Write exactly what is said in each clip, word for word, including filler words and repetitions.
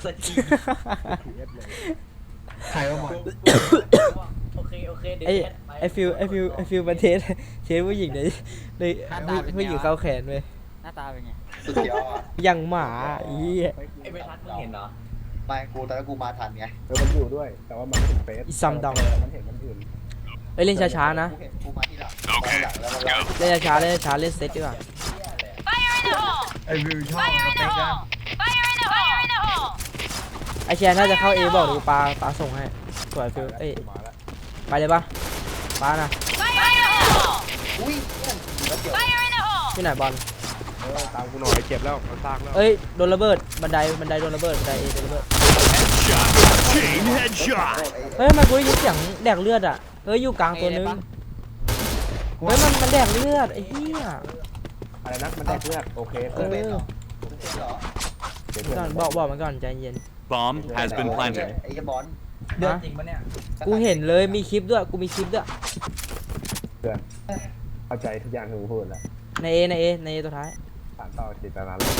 สักทีใครว่าบอลโอเคโอเคไอไอฟิวไอฟิวไอฟิวมาเทสเทสผู้หญิงเลยเลยผู้หญิงเข้าแขนเลยหน้าตาเป็นไงสุดยอดอย่างหมาอีไอ้ไม่ทัดมึงเห็นเหรอไม่กูตอนนั้นกูมาทันไงเออมันอยู่ด้วยแต่ว่ามันไม่ถึงเฟสอีซัมดองมันเห็นมันอื่นเอ้ยเล่นช้าๆนะกูเห็นกูมาที่หลังมาหลังแล้วแล้วเล่นช้าๆเล่นช้าๆเล่นเซตดีกว่าไอ้วิวชอบมันเป๊กนะไอแชร์น่าจะเข้าเอบอกดูปลาปลาส่งให้สวยฟิวเอ้ยมาแล้วไปเลยปะปลานะอุ้ยแล้วเดี๋ยวที่ไหนบอลเออตามกูหน่อยเจ็บแล้วมันซากแล้วเอ้ยโดนระเบิดบันไดบันไดโดนระเบิดบันไดเอโดนระเบิด Chain headshot. เฮ้ยทำไมันกูได้ยินเสียงแดกเลือดอ่ะเฮ้ยอยู่กลางตัวนึงเฮ้ยมันมันแดกเลือดไอ้เหี้ยอะไรนะมันแตกเลือดโอเคเอเพื่อนอเป็นเหรอก่อนบอกบอกมันก่อนใจเย็น Bomb has been planted. ไอ้บอลเดือดจริงปะเนี่ยกูเห็นเลยมีคลิปด้วยกูมีคลิปด้วยเพื่อนเข้าใจทุกอย่างที่กูพูดแล้วในเอในเอในเอตัวท้ายสานต่อจิตนาแล้ว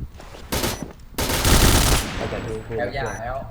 เข้าใจที่กูพูดแล้แล้ว วอย่าแล้ว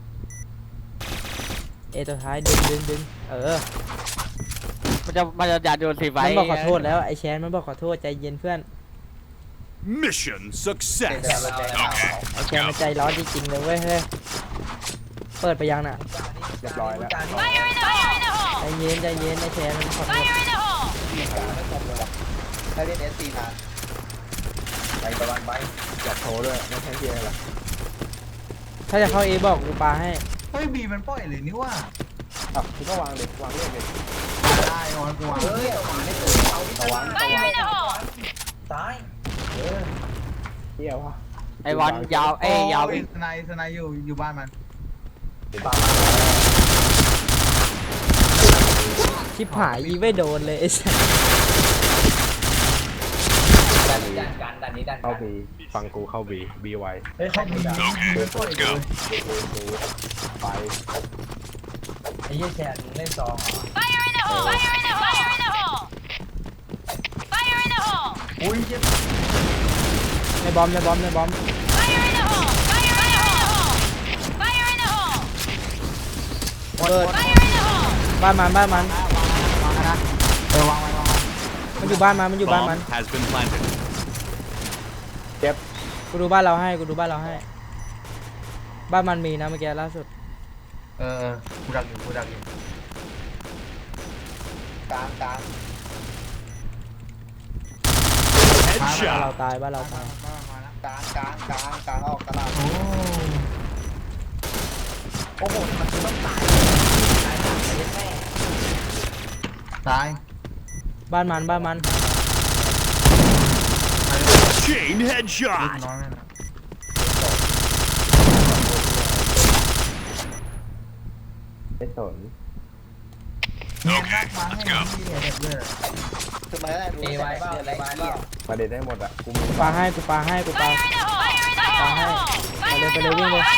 เอตัวท้ายดึงดึงดึงเออมันจะมันจะอยากโดนสีไฟมันบอกขอโทษแล้วไอแชนมันบอกขอโทษใจเย็นเพื่อน Mission เดี๋ยว success. เราจะเอาไอแชนมันใจร้อนจริงๆเลยเว้ยเฮ้ยเปิดไปยังน่ะเรียบร้อยแล้วใจเย็นใจเย็นไอแชนมันขอโทษถ้าเล่นเอสซีนานไปตะวันไปอยากโชว์ด้วยไม่ใช่เพียงหรอกถ้าจะเข้าเอบอกกูปาให้เฮ้ยบีมันปล่อยเลยนี่ว่าอ่ะคุณก็วางเด็กวางเล่นเด็กได้ออนกูวางเฮ้ยเอาไม่ถูกเอาที่ตะวันตายเออเที่ยววะไอ้วันยาวเอ้ยยาวอีอีกสไนสไนอยู่อยู่บ้านมันชิบหายยิงไม่โดนเลยไอ้สัสดันนี้ดันกันดันนี้ดันกัเข้าน บีฟังกูเข้าบีบีไวเฮ้ยเขาบี Okay, let's go. ดูดูดูไปไอ้ยี่แชร์เล่นซองเหรออุ้ยเจ็บในบอมในบอมในบอมเปิดบ้านมันบ้านมันวางนะเออวางไว้วางไว้มันอยู่บ้านมันมันอยู่บ้านมัน Bomb has been planted. เจ็บกูดูบ้านเราให้กูดูบ้านเราให้บ้านมันมีนะเมื่อกี้ล่าสุดเออเออกูดักอยู่กูดักอยู่กลางกลางบ้านเรา Headshot. ตายบ้านเราตายมามาแล้วกลางกลางกลางกลางออกตลาดโอ้โอ้โหมันคือต้องตายตายหนักเลยแม่ตายบ้านมันบ้านมัน Chain ลูก headshot. น้องนั่นนะไม่สนเนียนมากมาให้ที่เด็กเลยคือมาได้รู้เอไว้เปล่าเอไว้เปล่าประเด็นได้หมดอ่ะกูมีปาให้กูปาให้กูปาปาให้ไปเลยไปเลยวิ่งเลย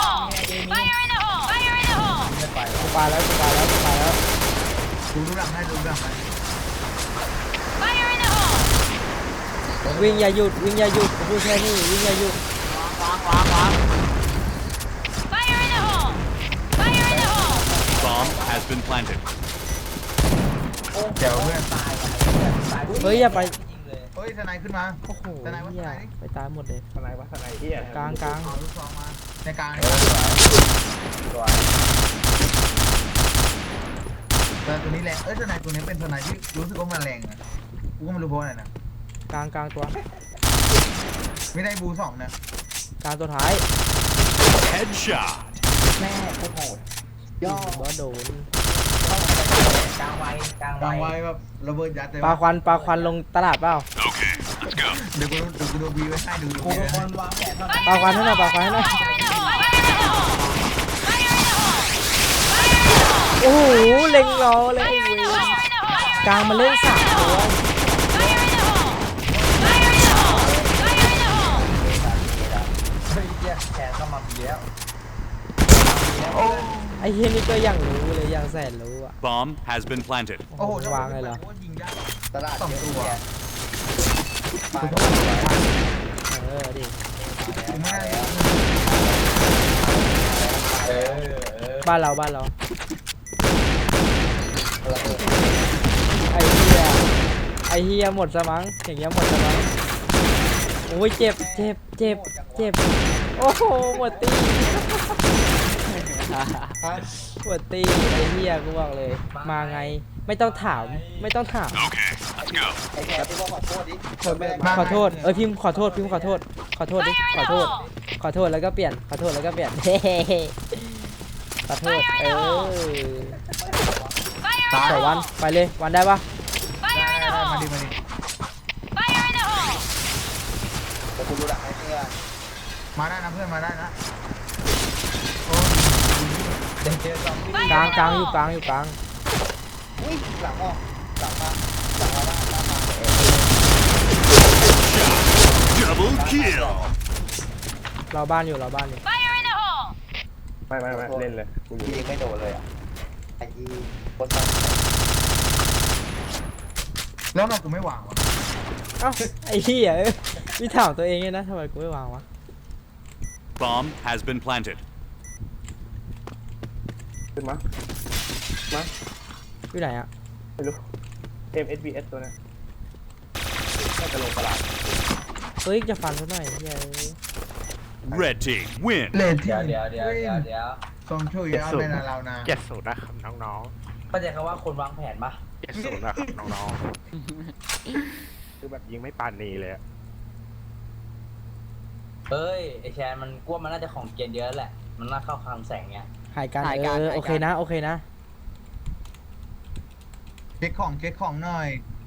กูปาแล้วกูปาแล้วกูปาแล้วดูดูหลังให้ดูหลังให้วิ่งอย่าหยุดวิ่งอย่าหยุดกูพูดแค่นี้วิ่งอย่าหยุดวางวางวาง Bomb has been planted. เดี๋ยวเพื่อนตายตายเฮ้ยอย่าไปยิงเลยเฮ้ยสไนขึ้นมาโอ้โหสไนว่าสเหี้ยไนไปตายหมดเลยทนายวัฒนายเฮียกลางกลางเอาลูกซองมาในกลางตัวแต่ตัวนี้แรงเอ้ยสไนตัวนี้เป็นสไนที่รู้สึกว่ามันแรงนะกูก็ไม่รู้เพราะอะไรนะกลางกลางตัวไม่ได้บูสองนะกลางตัวท้าย Headshot. แม่โคตรโหดย่อว่าโดนกลางไวกลางกลางไวไว้แบบระเบิดยัดเลยปลาควันปลาควันลงตลาดเปล่า Okay, let's go. เดี๋ยวกูเดี๋ยวกูดูบีไว้ให้ดูดูกูบีเป็นไว้คนวางแผนเท่าปลาควันให้หน่อยปลาควันให้หน่อยโอ้โหเล็งรอเลยไอ้เวรกลางมาเล่นสามตัวเฮ้ยเจี๊ยแขนเข้ามาบีแล้วไอ้เฮียนี่ก็ยังรู้เลยยังแสนรู้อ่ะ Bomb has been planted. โอ้โหวางเลยเหรอยิงยากตลาดสองตัวมาเออดิกูไม่ได้บ้านเราบ้านเราระเบิดไอ้เฮียไอ้เฮียหมดสมังอย่างเงี้ยหมดสมังโอ้ยเจ็บเจ็บเจ็บเจ็บโอ้โหหมดตีฮะหมดตีไอ้เฮียกูบอกเลย มาไงไม่ต้องถามไม่ต้องถาม Okay, let's go. ไอ้แขกพี่บอกขอโทษดิคนไม่ได้ขอโทษเออพิมพ์ขอโทษพิมพ์ขอโทษขอโทษดิขอโทษขอโทษแล้วก็เปลี่ยนขอโทษแล้วก็เปลี่ยน เฮ้ขอโทษเออสองวันไปเลยวันได้ปะได้ได้ได้มาดิมาดิแต่คุณรู้หลักไหมเนี่ยมาได้นะเพื่อนมาได้นะโอ้เดินเจอซอมบี้กลางกลางอยู่กลางอยู่กลางอุ้ยหลังออกหลังมาหลังมาบ้านบ้านมา Double kill. เราบ้านอยู่เราบ้านอยู่ไม่ไม่ไม่เล่นเลยกูอยู่ยิงไม่โดนเลยอ่ะไอ้ยีโคตรสั้นแล้วเรากูไม่หวังวะเอ้าไอ้เหี้ยเอ้ยมีถามตัวเองเนี่ยนะทำไมกูไม่วางวะ Bomb has been planted. ขึ้นมามาอยู่ไหนอะไม่รู้ เอ็ม เอส บี เอส ตัวนั้นน่าจะลงตลาดเฮ้ยจะฟันซะหน่อยเหี้ยเอ้ย Red team win. เลนที่เดี๋ยวเดี๋ยวเดี๋ยวเดี๋ยวเดี๋ยวทรงช่วยยาเป็นเรานะเจ็ดศูนย์นะครับน้องเข้าใจคำว่าคนวางแผนปะๆเจ็ดศูนย์นะครับน้องๆคือแบบยิงไม่ปานนีเลยอะเฮ้ยไอแชร์มันกลัวมันน่าจะของเกียนเยอะแหละมันน่าเข้าคลังแสงเงี้ยหายกันหายเอกันอหายกันโอเคนะโอเคนะเช็คของเช็คของหน่อย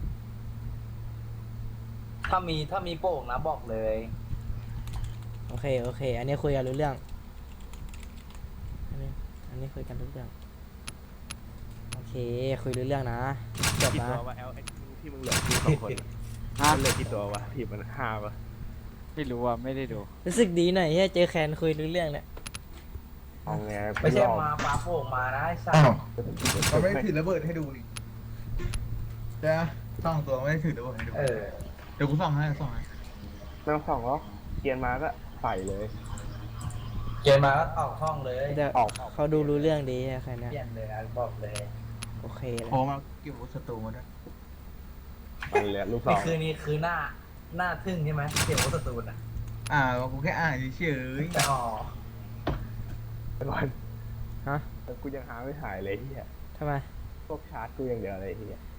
ถ้ามีถ้ามีโป่งนะบอกเลยโอเคโอเค อันนี้คุยกันรู้เรื่องอันนี้อันนี้คุยกันรู้เรื่องโอเคคุยรู้เรื่องนะจบกี่นะตัววะแอลที่มึงเหลือทีมสองคนฮะมันเหลือกี่ตัววะทีมมันห้าวะไม่รู้อ่ะไม่ได้ดูรู้สึกดีหน่อยเฮ้ยเจอแคนคุยรู้เรื่องเนี่ยเอาไงไม่ใช่รอบมาปาโป่งมานะไอ้สัสอ้าวเราไม่ได้ถือระเบิดให้ดูดิเดี๋ยวส่องตัวไม่ได้ถือระเบิดให้ดูเออเดี๋ยวกูส่องให้ส่องให้ไม่ต้องส่องหรอกเกียนมาก็ใส่เลยเกมมาก็ออกห้องเลยแต่ออกเขาดูรู้เรื่องดีแค่เนี้ยเปลี่ยนเลยนะบอกเลยโอเคเลยโอ้มาเก็บศัตรูมาด้วยมันเหลือลูกสนี่องคือนี่คือหน้าหน้าทึ่งใช่ไหมเสียววัสตูนอ่ะอ่ากูแค่อ่านเฉยแต่อ๋อไอ้บอลฮะกูยังหาไม่หายเลยเฮียทำไมพวกชาร์จกูอย่างเดียวเลยเฮีย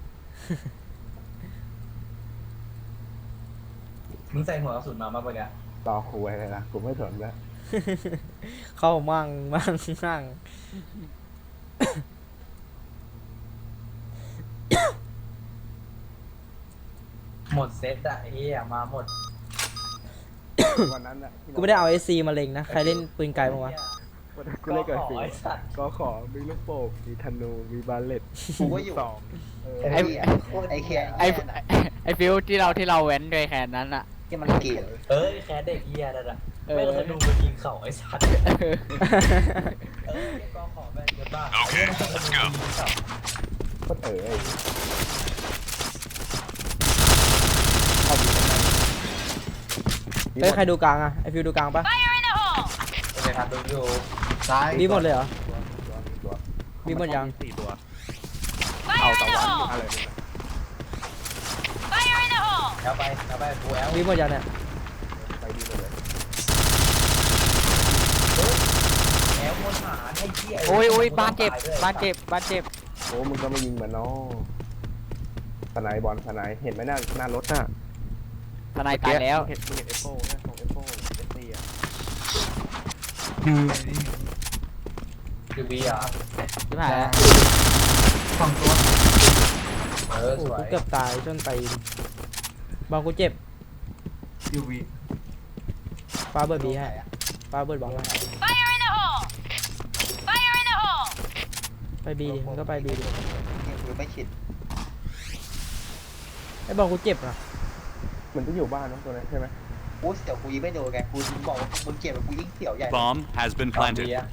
มึงใส่หัวกระสุนมาบ้างปะเนี่ยรอคุยเลยนะกูไม่สนแล้วเข้ามั่งมั่งมั่งหมดเซตอะไอ้เหี้ยมาหมดวันนั้นอะที่กูไม่ได้เอาเอซีมาเล็งนะใครเล่นปืนไกลบ้างวะวันนั้นกูเล่นกับขอฟิวไอ้สัตว์ก็ขอมีลูกโป่งมีธนูมีบาเลตกูก็อยู่สองเออไอ้ไอ้แขกไอไอฟิวที่เราที่เราเว้นด้วยแคนนั้นอ่ะที่มันเกลียดเอ้ยแค่เด็กเหี้ยนั่นน่ะเออไม่ต้องดูมายิงเข่าไอ้สัตว์เออก็ขอแม่งเกินบ้า Okay, let's go. ก็เออไอ้เข้าไปข้างในเฮ้ยใครดูกลางอะไอฟิวดูกลางปะไปทำดูอยู่ซ้ายบีหมดเลยเหรอตัวตัวมีหมดยังสี่ตัว เอาตะวันอะไรนี่นะแล้วไปแล้วไปกูแอลบีหมดยังเนี่ยไปดีหมดเลยแอลวนหาไอ้เหี้ยโอ้ยโอ้ยบ้านเจ็บบ้านเจ็บบ้านเจ็บโอ้มึงก็ไม่ยิงเหมือนน้องสไนบอลสไนเห็นไหมหน้าหน้ารถน่ะทนายตายแล้วเห็นมึงเห็นเอฟโฟนะของเอฟโฟเอฟซีอะคือคือบีอ่ะชิบหายแล้วสองตัวเออโอ้สโหวยกูเกือบตายจนตีนบอลกูเจ็บยูวีฟ้าเบิร์ดบีให้ฟ้าเบิร์ดบอกให้ไปบีดิมึงก็ไปบีดิกูไม่ชิดไอ้บอลกูเจ็บนะมันจะอยู่บ้านเนอะตัวนั้นใช่ไหมกูเสียวกูยิงไม่โดนไงกูบอกว่ามึงเกลียดกูยิงเสียวใหญ่ Bomb has been เอาบี planted. อ่ะ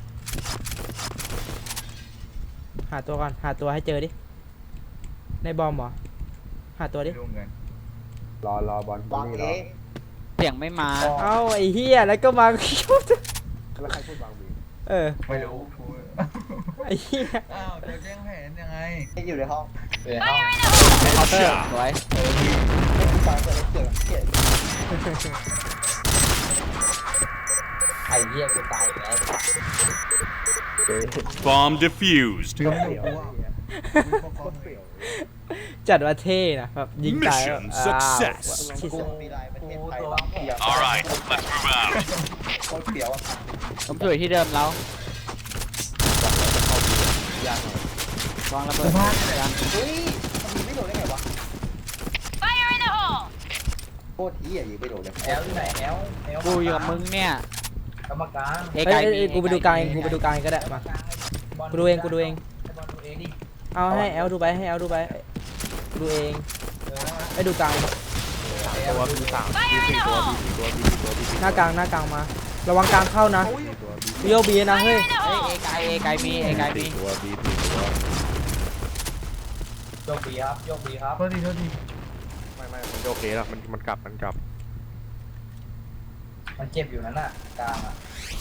หาตัวก่อนหาตัวให้เจอดิในบอมเหรอหาตัวดิรวมกันรอรอบอลบอลนี่เอรองเสียงไม่มาเอ้าไอ้เหี้ยแล้วก็มาแล้วใครพูดบางบีเออไม่รู้ไอ้เหี้ยอ้าวจะแจ้งแผนยังไงที่อยู่ในห้องเออเอาเคาน์เตอร์สวยเออมีให้กูฟังตัวเล็กเกิดเกลียดไอ้เหี้ยกูตายอีกแล้วเจ๊ Bomb defused. ฟิวไม่อยู่กูอ่ะจัดว่าเท่นะแบบยิงตายแบบ Mission อ้าว success ชิสกูมีลายประเทศไทยกูตัวบ้างเปียก All right, let's move out. โคตรเปียกอ่ะผมอยู่ที่เดิมแล้ววางระเบิดพลาดเลยยังเฮ้ยมันยิงไม่โดนได้ไงวะโคตรเหี้ยยิงไม่โดนเลยแอลอยู่ไหนแอลแอลกูอยู่กับมึงเนี่ยกรรมการเอเอ้ยไกเอ้ยมีเอ้ยกูไปดูกลางเองกูไปดูกลางเองก็ได้มา กูดูเองกูดูเองไบอลดูเองดิเอาให้แอลดูไปให้แอลดูไปกูดูเองเออไอ้ดูกลางตัวมีสามมีสี่ตัวมีสี่ตัวมีสี่ตัวมีสี่ตัวหน้ากลางหน้ากลางมา ระวังกลางเข้านะวิโอบีนะเฮ้ยเฮ้ยเอไกเอไกมีเอไกมีตัวมีสี่ตัวโยกบีครับโยกบีครับโทษทีโทษทีไม่ไม่มันโอเคแล้วมันมันกลับมันกลับมันเจ็บอยู่นั่นน่ะกลางอ่ะ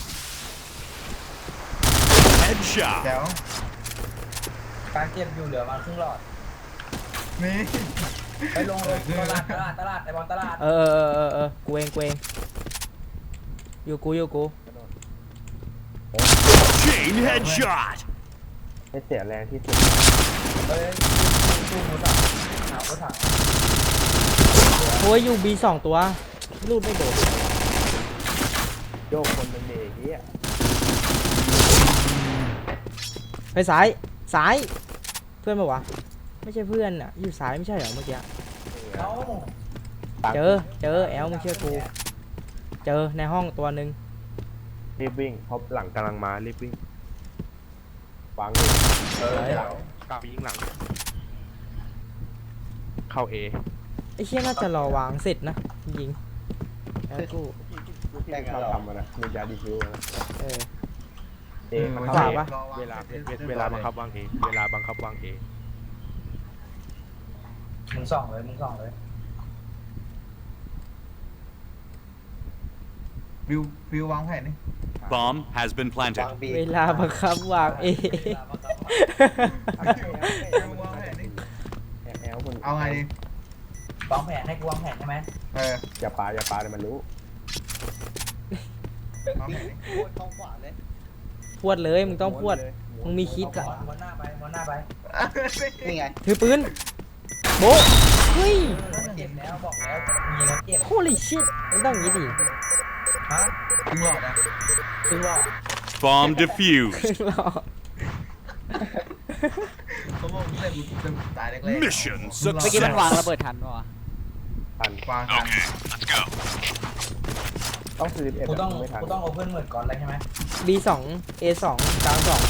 Headshot. แจ๋วกลางเจ็บอยู่เหลือมาครึ่งหลอดนี่ไปลงลงตลาดตลาดตลาดไอ้บอลตลาดเออเออเออเออกูเองกูเองอยู่กูอยู่กู Chain headshot. ไม่เสียแรงที่สุดเฮ้ยตู้มือถังหนาวก็ถังโอ้ยอยู่บีสองตัวลูดไม่โดนโยกคนเป็นเด็กเหี้ยไปซ้ายซ้ายเพื่อนปะวะไม่ใช่เพื่อนอ่ะอยู่ซ้ายไม่ใช่เหรอเมื่อกี้เอ้าเจอเจอแอลมึงเชื่อกูเจอในห้องตัวหนึ่งรีบวิ่งเพราะหลังกำลังมารีบวิ่งวางเลยเออเดี๋ยวกลับไปยิงหลัง เข้าเอไอ้เชี่ยน่าจะรอวางเสร็จนะยิงแอลกูที่เราทำมันอะมียาดีฟิวนะเออเอมันขเข้าวาเอปะเวลาเวลาบังคับวางเอเวลาบังคับวางเอมึงส่องเลยมึงส่องเลยฟิวฟิววางแผนนี่ Bomb has been วา planted. งบีเวลาบังคับวางเอฟิววางแผนนี่แอลคนเอาไงดีวางแผนให้กูวางแผนใช่ไหมเอออย่าปาอย่าปาเลยมันรู้วางแผนนี่โคตรท้องขวาเลยพวดเลยมึงต้องพวดมึงมีคิดกัอะม้วนหน้าไปม้วนหน้าไปนี่ไงถือปืนโบะเฮ้ยเจ็บแล้วบอกแล้วมีแล้วเจ็บโคลิชิตมันต้องอย่างนี้ดิฮะถึงหลอดอ่ะครึ่งหลอด Bomb defused. รอเขาบอกเล่นจะตายแรกๆ Mission เมื่อกี้มันวางระเบิดทันปะวะทันวางกัน Okay, let's go. ต้องสี่สิบเอ็ดกูต้องไม่ทันกูต้องเอาเพื่อนเหมือนก่อนเลยใช่ไหมบีสองเอสองกลางสอง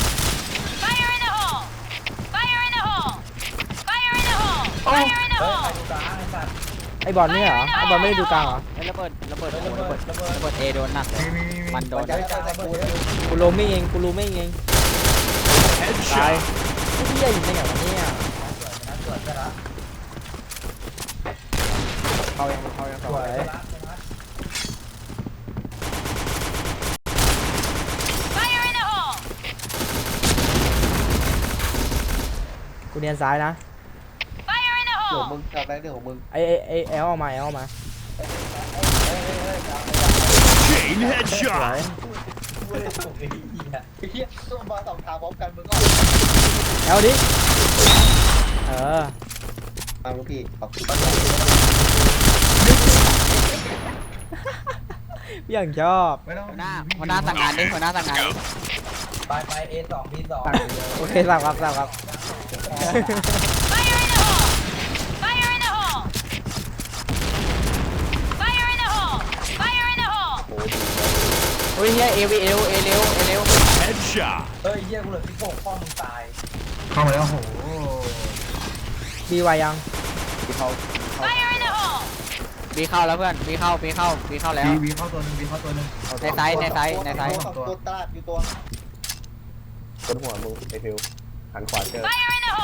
เฮ้ยใครดูกลางไอ้สัตว์ไอบอลนี่เหรอไอบอลไม่ได้ดูกลางเหรอไอ้ระเบิดระเบิดเฮ้ยโอ้ระโหเบิระดเบิดระเบิดระเบิดเอโดนหนักเลยมีมีมีมันโดนใจกลางระเบิดเลยกูรู้ไม่เองกูรู้ไม่เองตาย Headshot. ไอ้เหี้ยอยู่ในไหนวะเนี่ยสวยนะเข้ายังเข้ายังสเข้าวยยังนะสวยนะกูเนียนซ้ายนะเดี๋ยวมึงทำอะไรเรื่องของมึงไอไอไอแอลออกมาแอลออกมา Chain สวย headshot. เว้ยโอ้ยเหี้ยไอ้เหี้ยต้องมาสองทางพร้อมกันมึงก็แอลดิเออมาลูกพี่ขอบคุณอย่างชอบไม่ต้องหัวหน้าหัวหน้าสั่งงานดิหัวหน้าสั่งงานดิไปไป A สอง B สองโอเคสั่งครับสั่งครับโอ้ยโอ้ยเฮียเอวีเอเร็วเอเร็วเอเร็ว Headshot. เฮ้ยเหี้ยกูเหลือสิบหกพ่อมึงตายเข้ามาแล้วโหบีวายังที่เข้าบีเข้าแล้วเพื่อนบีเข้าบีเข้าบีเข้าแล้วบีบีเข้าตัวหนึ่งบีเข้าตัวหนึ่งในไซส์ในไซส์ในไซส์ตัวตัวตลาดอยู่ตัวบนหัวมึงไอฟิวหันขวาเจอ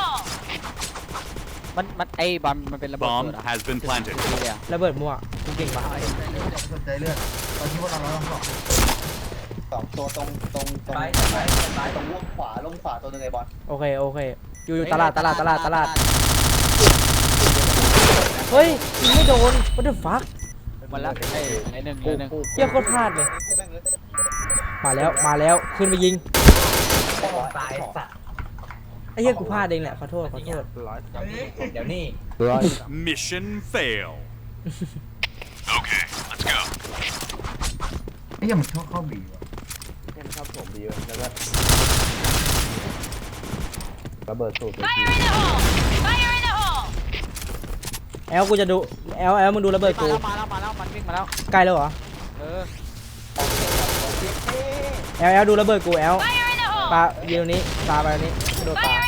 มันมันไอ้บอลมันเป็นระเบิด Bomb เกิดอะ has been planted. ดีเลยอะระเบิดมั่วกูเก่งปะอย่าไปสนใจเลือดตอนที่พวกเราเราต้องสอบสองตัวตรงตรงตรงไปไปไปตรงล่วงขวาล่วงขวาตัวหนึงไอ้บอลโอเคโอเคอยู่อยู่ตลาดตลาดตลาดตลาดเฮ้ยยิงไม่โดน what the fuck มันละไอ้ไอ้หนึ่งไอ้หนึ่งเฮียโคตรพลาดเลยมาแล้วมาแล้วขึ้นไปยิงตายสัตว์ไอ้เฮียกูพลาดเองแหละขอโทษขอโทษร้อยเดี๋ยวนี้ร้อย Mission fail. Okay, let's go. ไอ้เหี้ยมันชอบเข้าบีว่ะเช่นครับผมดีแล้วก็ระเบิดสูตรไปทีแอลกูจะดูแอลแอลมึงดูระเบิดมากูแล้วมาแล้วมาแล้วมันวิ่งมาแล้วใกล้แล้วเหรอเออแอลแอลดูระเบิดกูแอลปายิงตรงนี้ปาไปตรงนี้โดดปา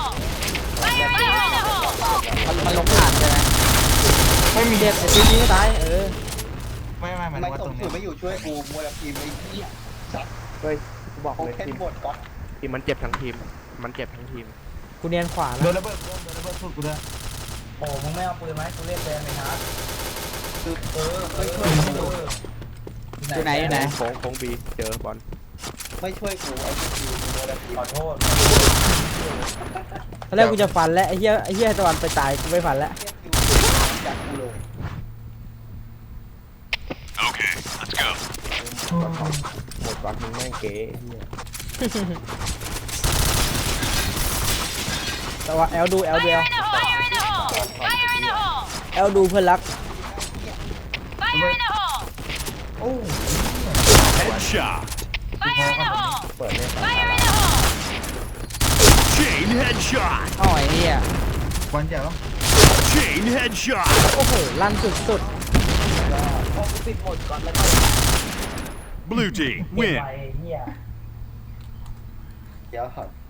มันมันลงผ่านใช่ไหมไม่มีเด็ดไอ้ตียิงก็ตายเออไม่ไม่หมายถึไม่งว่าตตรรง งสุเนี้ดยไม่อยู่ช่วยกูมัวแต่ทีมไอ้เหี้ยเฮ้ยกูบอกโอเลยเคทีมหมดก๊อตทีมมันเจ็บทั้งทีม มันเจ็บทั้งทีมกูเนียนขวาโดนะนระเบิดโดนระเบิดสุดกูด้วยโอ้มึงไม่เอาปืนไหมกูเรียกแฟนไปนะคือเออไม่ช่วยกูอยู่ไหนอยู่ไหนโค้งโค้งบีเจอบอลไม่ช่วยกูไอ้ทีมมัวแต่ทีมขอโทษตอนแรกกูจะฟันแล้วไอ้เหี้ยไอ้เหี้ยตะวันไปตายกูไม่ฟันแล้วจากกูลง Okay, let's go. หมดบอลมึงแม่งเก๋ไอ้เหี้ยแต่ว่าแอลดูแอลดูแอลแอลดูเพื่อนรัก Headshot. เปิดเนี่ย Chain headshot. อ๋อไอ้เหี้ยควันเจ๋อ Chain headshot. โอ้โหลั่นสุดพอกูปิดหมดก่อนแล้วก็ Blue team เก็บ win. ไว้เฮียเดี๋ยว